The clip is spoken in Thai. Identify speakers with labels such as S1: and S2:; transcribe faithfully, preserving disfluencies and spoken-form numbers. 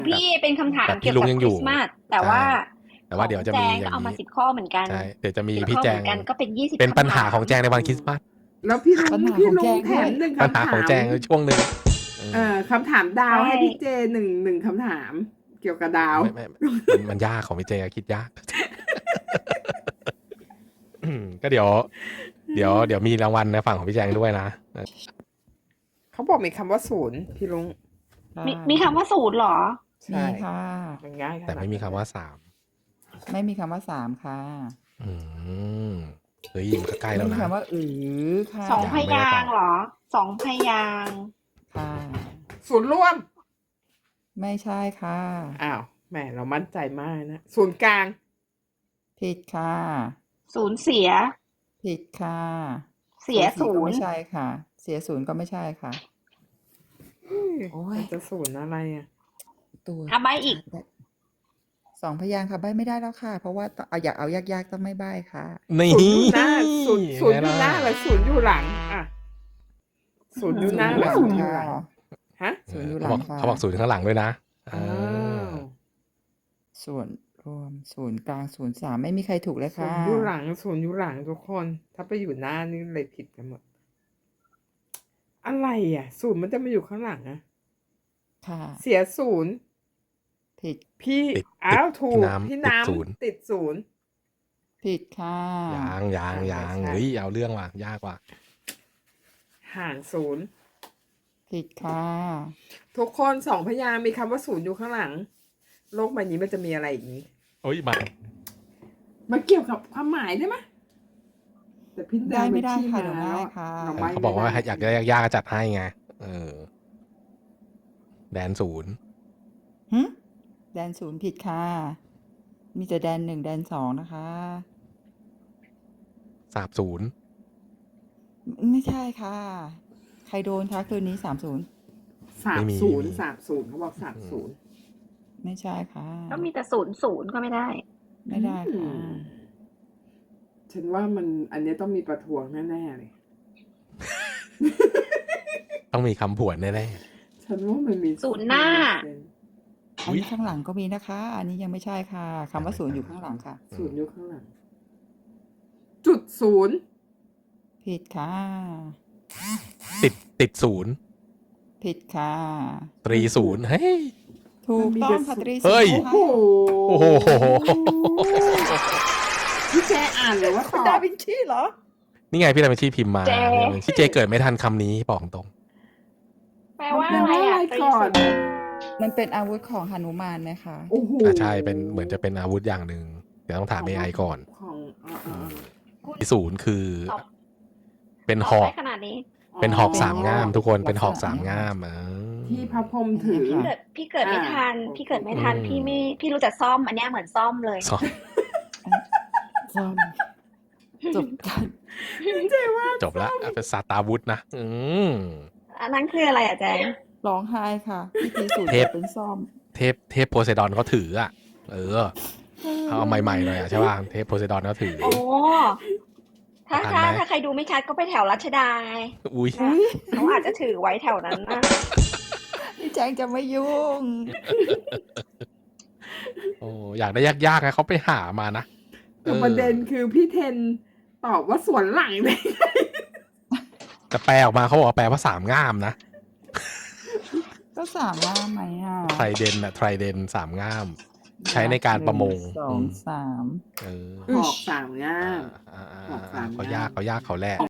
S1: พี่เป็นคำถาม
S2: แบบพี่
S1: เกี่ยว
S2: ลุง
S1: กับ
S2: ยัง
S1: ค
S2: อ
S1: ริ
S2: ยู่
S1: สต์มาสแต่ว่า
S2: แต่ว่าเดี๋ยวจะมี
S1: ของแจง
S2: อ
S1: ก็
S2: ย่าง
S1: เอามา
S2: นี้
S1: สิบข้อเหมือนกัน
S2: ใช่เดี๋ยวจะมี
S1: สิบ
S2: พี่
S1: ข้อ
S2: แจ
S1: เห
S2: ง
S1: มือนกันก็เป็นยี่สิบ
S2: เป็นปัญหา
S1: คำถาม
S2: ของแจงในวันคริสต์มาส
S3: แล้วพี่ลุ
S4: ปั
S3: ง
S4: ญหา
S3: พี่
S4: ของ
S3: ลุ
S4: แจ
S3: ง
S4: ง
S3: แถ
S4: ด้วย
S3: มหนึ่ง
S2: ปัญ
S3: คำ
S2: หา
S3: ถา
S2: ของ
S3: ม
S2: แจงช่วงหนึ่ง
S3: เอ่อคำถามดาว
S1: ใช่
S3: ให้พี่เจหนึ่งหนึ่งคำถาม เกี่ยวกับดาว
S2: ไม่ไม่มันมันยากของพี่เจคิดยาก อืมก็เดี๋ยว เดี๋ยวเดี๋ยวมีรางวัลในฝั่งของพี่แจงด้วยนะ
S3: เขาบอกมีคำว่าศูนย์พี่ลุง
S4: ค่ะ
S1: มีมีคำว่าศูนย์เหรอ
S3: ใช่
S4: มีค่ะ
S3: มันง่ายขนาด
S2: แต่ไม่มีคำว่าสาม
S4: ไม่มีคำว่าสามค่ะ
S2: อืมเฮ้ยมันก็ใกล้
S4: ไม่
S2: แล้ว
S4: มี
S2: นะ
S4: คำว่าอือค่ะ
S1: สอง
S2: ยั
S1: พ
S2: งไม่ได้
S1: ยา
S2: ตอบ
S1: งค์เหรอ สองพยางค์
S4: ค่ะ
S3: ศูนย์ร่วม
S4: ไม่ใช่ค่ะ
S3: อ้าวแหมเรามั่นใจมากนะ ศูนย์กลาง
S4: ผิดค่ะ
S1: ศูนย์เสีย
S4: ผิดค่ะ
S1: เสีย
S4: ศู
S1: ศู
S4: นย์ก็
S1: น
S4: ไม่
S1: ย์
S4: ใช่ค่ะ เสียศูนย์ก็ไม่ใช่ค่ะ โอ้ย
S3: มันจะศูนย์อะไรอ่ะ
S4: ตัว
S1: อ่ะใบอีก
S4: สองพยางค์ค่ะใบไม่ได้แล้วค่ะ เพราะว่าต้องเอาอยากเอายากๆต้องไม่ใบค่ะ
S2: นี่
S3: ศูนย์อยู่หน้าศูนย์ศูนย์อยู่หน้า
S2: ไง
S3: ห
S2: ล่ะ
S3: รือศูนย์อยู่หลัง อ่ะศูนย์อยู่หน้าหรือศูนย์อยู่หลัง ฮะ
S4: ศูนย์อยู่ห
S2: เขา
S4: ลั
S2: บอง ก
S4: ค่ะ
S2: เขาบอกศูนย์ข้างหลังด้วยนะ
S3: อ้า
S2: อ่า
S3: ว
S4: ส่วนรวมศูนย์กลางศูนย์สามไม่มีใครถูกเลย
S3: ศู
S4: ค่ะ
S3: นย์อยู่หลังศูนย์อยู่หลังทุกคน ถ้าไปอยู่หน้านี่เลยผิดกันหมด อะไรอ่ะ ศูนย์มันจะมาอยู่ข้างหลังอะ
S4: ค่ะ
S3: เสียศูนย์
S4: ผิด
S3: พี่
S2: ติด
S3: อ้าวถู
S2: พี่
S3: ก
S2: น้ำ
S3: พี่
S2: ติด
S3: น้
S2: ศูนย์
S3: ำติดศูนย์
S4: ผิดค่ะ
S2: ยางยาง
S3: อ่ะ
S2: ยาง
S3: ไม่ใช่
S2: เฮ้ยเอาเรื่องว่ะยากว่ะ
S3: ห่างศูนย์
S4: ผิดค่ะ
S3: ทุกคนสองพยางค์มีคำว่าศูนย์อยู่ข้างหลัง โลกใบนี้มันจะมีอะไรอีกนี้
S2: โอ้ยมา
S3: มันเกี่ยวกับความหมายได้ไหมแต่พี่แด
S4: ได้
S3: ง
S4: ไม่ได้
S3: ชี้
S4: ค่ะ
S3: มา
S4: เดี๋ยว
S3: แล้ว
S4: ง่าย
S3: อะ
S4: ค่ะ
S3: เราไม่
S2: เขาบอกว่า
S3: ไม่ได้
S2: อยากได้ยากๆก็จัดให้ไงเออแดนศูนย์
S4: หึแดนศูนย์ผิดค่ะ มีแต่แดนหนึ่งแดนสองนะคะ
S2: สาบศูนย์
S4: ไม่ใช่ค่ะ ใครโดนคะคืนนี้สามศูนย์
S3: สามศูนย์สามศูนย์เขาบอกสามศูนย์
S4: ไม่ใช่ค่ะ
S1: ก็มีแต่ศูนย์ศูนย์ก็ไม่ได้
S4: ไม่ได้ค่ะ
S3: ฉันว่ามันอันเนี้ยต้องมีประท้วงแน่ๆเลย
S2: ต้องมีคำผวนแน่
S3: ฉันว่ามันมี
S1: ศูนย์หน้า
S4: อันนี้ข้างหลังก็มีนะคะ อันนี้ยังไม่ใช่ค่ะคำว่าศูนย์อยู่ข้างหลังค่ะ
S3: ศูนย์อยู่ข้างหลัง จุดศูนย์
S4: ผิดค่ะ
S2: ๆติดติดศูนย์
S4: ผิดค่ะ
S2: ตรีศูนย์เฮ้ย
S4: ถูกต้องค่ะตรี
S2: เฮ้ย
S4: ศูน
S3: โอ้
S4: ย์
S3: โห
S2: โอ้โห
S3: พี่แจอ่านหรือว่าต
S4: คุณ
S3: อ
S4: ดา
S3: บ
S4: วินชีเหรอ
S2: นี่ไงพี่ดาวินชีพิมพ์มา
S1: เจ
S2: พี่เจเกิดไม่ทันคำนี้บอกตรง
S1: แปลว่า
S3: มัน
S1: อะไร
S3: แปลว่า
S1: อ่ะ
S3: อะไร
S1: ตรี
S3: ก่อน
S1: ศูนย์
S4: มันเป็นอาวุธของหนุมานไหมคะ
S3: โอ้โห
S2: อ่าใช่เป็นเหมือนจะเป็นอาวุธอย่างหนึ่งเดี๋ยวต้องถาม เอ ไอ ก่อน
S3: ของอ่าอ่า
S1: คุณ
S2: ที่ศูนย์คือ
S1: ตอบ
S2: เป็น
S1: ต
S2: ห
S1: อบ
S2: อก
S1: ได้ขนาดนี้
S2: เป็นหอกสามง่ามทุกคน
S4: ลักษณะ
S2: เป็นหอกสามง่ามอ่า
S3: ที่พระพรหมถือ
S4: ค่ะ
S1: เกิดพี่เกิดไม่ทัน
S3: อ่า
S1: พี่เกิดไม่ทัน
S2: อืม
S1: พี่ไม่พี่รู้จักซ่อม อันเนี้ยเหมือนซ่อมเลย
S2: สอง
S4: ซ่อมจบกัน
S2: จบแล้วเป็นซาตาวุธนะอืม
S1: อันนั้นคืออะไรอ่ะแจง
S4: ร้องไห้ค่ะพิธีสูตร
S2: เทพ
S4: เป็นซ่อม
S2: เทพเทพโพไซดอนเขาถืออ่ะ เออเขาเอาใหม่ๆหน่อยอ่ะใช่ป่ะเทพโพไซดอนเขาถือ
S1: โอ้ ถ้า
S2: ทัน
S1: ถ้า
S2: ไหม
S1: ถ้าใครดูไม่ชัดก็ไปแถวรัชดา
S2: อุ้ย
S4: อุ๊ย
S1: เขาอาจจะถือไว้แถวนั้นนะ
S4: พี่แจงจะไม่ยุ่ง
S2: โอ้อยากได้ยากๆนะเขาไปหามานะ
S3: แต่ประเด็นคือพี่เทนตอบว่าสวนหลังเลย
S2: แต่แปลออกมาเขาบอกว่าแปลว่าสามง่ามนะ
S4: ก็สามว่าไหมอ่ะ
S2: ไทรเดนอะไทรเดนสามง่าม ใช้ในการประมง
S4: หนึ่สองสาม
S2: เออ
S3: หอกสามง่าม
S2: อ่าอ่า
S3: หอกสา
S2: อ่าม เขา
S3: ง่าม
S2: ยากเขายากเขาแรก